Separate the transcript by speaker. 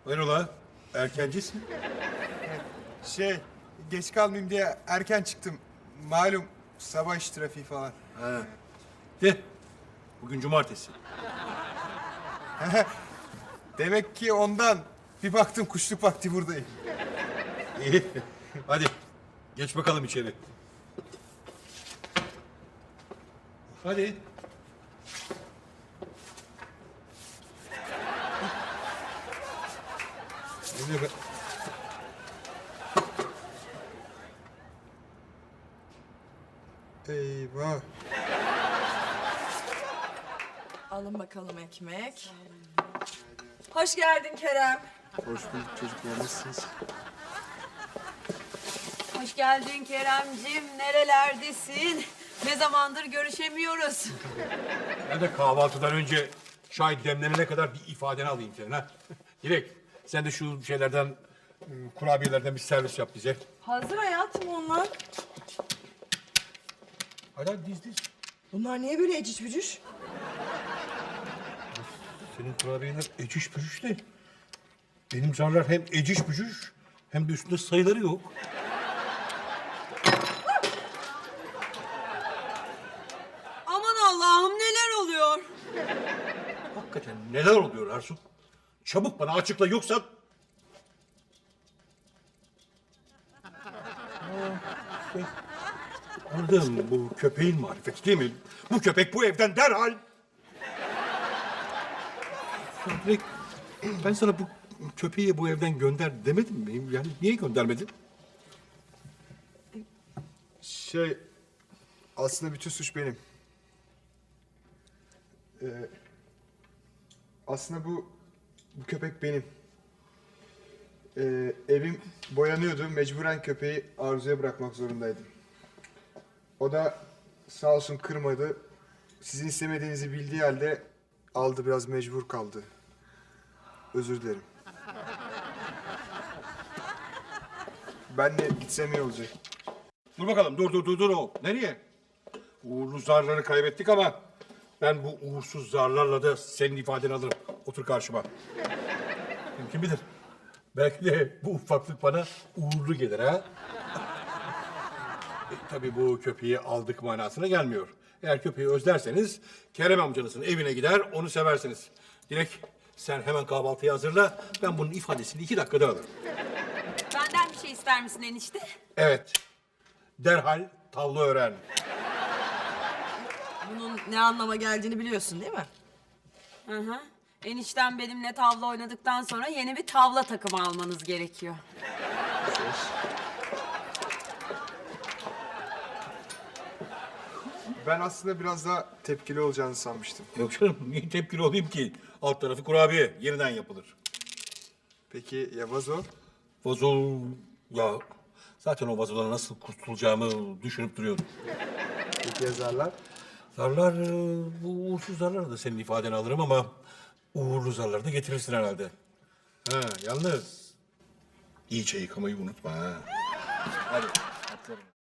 Speaker 1: Hayrola? Erkencisin.
Speaker 2: Geç kalmayayım diye erken çıktım. Malum sabah iş trafiği falan.
Speaker 1: Ha. De. Bugün cumartesi.
Speaker 2: Demek ki ondan bir baktım kuşluk vakti buradayım.
Speaker 1: İyi. Hadi. Geç bakalım içeri. Hadi. Ne be?
Speaker 2: Eyvah.
Speaker 3: Alın bakalım ekmek. Hoş geldin Kerem.
Speaker 2: Hoş bulduk çocuklar, nasılsınız?
Speaker 4: Hoş geldin Keremcim. Nerelerdesin? Ne zamandır görüşemiyoruz.
Speaker 1: Ben de kahvaltıdan önce çay demlenene kadar bir ifadeni alayım senin ha. Dilek, sen de şu şeylerden, kurabiyelerden bir servis yap bize.
Speaker 3: Hazır hayatım onlar.
Speaker 1: Hadi diz.
Speaker 3: Bunlar niye böyle eciş bücüş?
Speaker 1: Senin kurabiyeler eciş bücüş de. Benim zarlar hem eciş bücüş hem de üstünde sayıları yok.
Speaker 4: Aman Allah'ım neler oluyor?
Speaker 1: Hakikaten neler oluyor Arzu? Çabuk bana açıkla yoksa... Anladım, bu köpeğin marifeti değil mi? Bu köpek bu evden derhal... Ya Dilek, ben sana bu köpeği bu evden gönder demedim mi? Yani niye göndermedin?
Speaker 2: Aslında bütün suç benim. Aslında bu köpek benim. Evim boyanıyordu. Mecburen köpeği Arzu'ya bırakmak zorundaydım. O da sağ olsun kırmadı. Sizin istemediğinizi bildiği halde aldı, biraz mecbur kaldı. Özür dilerim. Ben de gitsem iyi olacak.
Speaker 1: Dur bakalım, dur o. Nereye? Uğurlu zarları kaybettik ama... ben bu uğursuz zarlarla da senin ifadeni alırım. Otur karşıma. Kim bilir? Belki de bu ufaklık bana uğurlu gelir ha? Tabii bu köpeği aldık manasına gelmiyor. Eğer köpeği özlerseniz Kerem amcanızın evine gider, onu seversiniz. Dilek, sen hemen kahvaltıyı hazırla. Ben bunun ifadesini 2 dakikada alırım.
Speaker 4: Benden bir şey ister misin enişte?
Speaker 1: Evet. Derhal tavla öğren.
Speaker 3: Bunun ne anlama geldiğini biliyorsun değil mi?
Speaker 4: Hı hı. Eniştem benimle tavla oynadıktan sonra yeni bir tavla takımı almanız gerekiyor.
Speaker 2: Ben aslında biraz daha tepkili olacağını sanmıştım.
Speaker 1: Yok canım, niye tepkili olayım ki? Alt tarafı kurabiye, yeniden yapılır.
Speaker 2: Peki ya vazo?
Speaker 1: Vazo... Ya zaten o vazodan nasıl kurtulacağımı düşünüp duruyorum.
Speaker 2: Peki yazarlar?
Speaker 1: Zarlar, bu uğursuz zarlara da senin ifadeni alırım ama... uğurlu zarları da getirirsin herhalde. Ha, yalnız... iyice yıkamayı unutma ha. Hadi, atlarım.